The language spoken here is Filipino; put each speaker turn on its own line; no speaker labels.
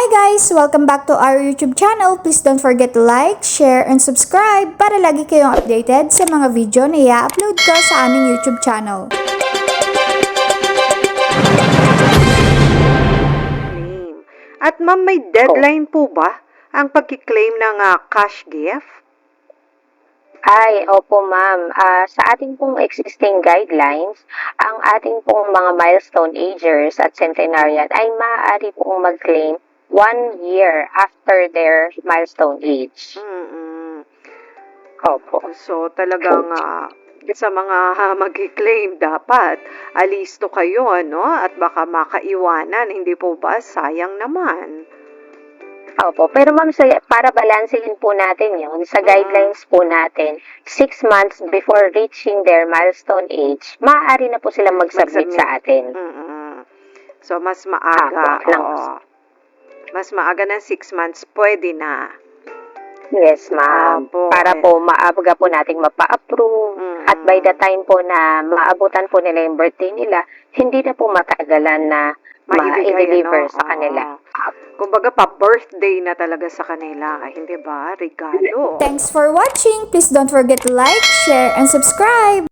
Hi guys! Welcome back to our YouTube channel. Please don't forget to like, share, and subscribe para lagi kayong updated sa mga video na i-upload ko sa aming YouTube channel.
At ma'am, may deadline po ba ang pagkiklaim ng cash gift?
Ay, opo ma'am. Sa ating pong existing guidelines, ang ating pong mga milestone agers at centenarian ay maaari pong mag-claim 1 year after their milestone age. Opo.
So talagang sa mga mag-claim dapat alisto kayo, ano? At baka makaiwanan, hindi po ba? Sayang naman.
Opo. Pero ma'am, para balansehin po natin yun, sa guidelines po natin, 6 months before reaching their milestone age, maaari na po silang mag-submit sa atin.
So mas maaga. Mas maaga ng 6 months, pwede na.
Yes, ma'am. Para po maaga po nating mapa-approve. At by the time po na maabutan po nila yung birthday nila, hindi na po matagalan na ma-deliver sa kanila.
Kumbaga pa-birthday na talaga sa kanila. Hindi ba? Regalo.
Thanks for watching! Please don't forget to like, share, and subscribe!